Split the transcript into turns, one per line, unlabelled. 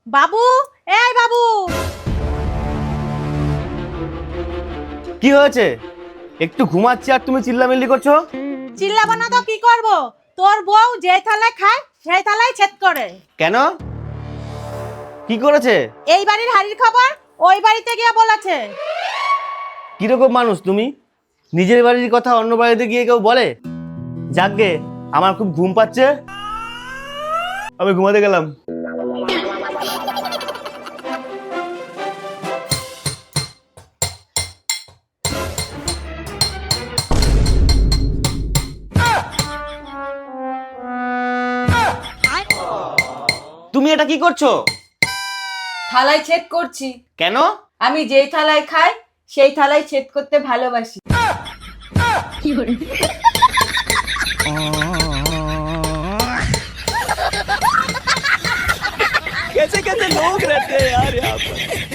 বাবু, এই বাবু।
কি হয়েছে? একটু ঘুমাচ্ছি আর তুমি চিল্লামিল্লি করছো।
চিল্লাবো না তো কি করব? তোর বউ যে থালায় খায় সেই থালায় ছেদ করে।
কেন? কি করেছে?
এই বাড়ির হাড়ির খবর ওই বাড়িতে গিয়ে বলেছে।
কিরকম মানুষ তুমি? নিজের বাড়ির কথা অন্য বাড়িতে গিয়ে কেউ বলে? যাকগে, আমার খুব ঘুম পাচ্ছে, আমি ঘুমাতে গেলাম। তুমি এটা কি করছো?
থালায় ছেদ করছি।
কেন?
আমি যেই থালায় খাই সেই থালায় ছেদ করতে ভালোবাসি।
कैसे कैसे लोग रहते हैं यार यहाँ पर।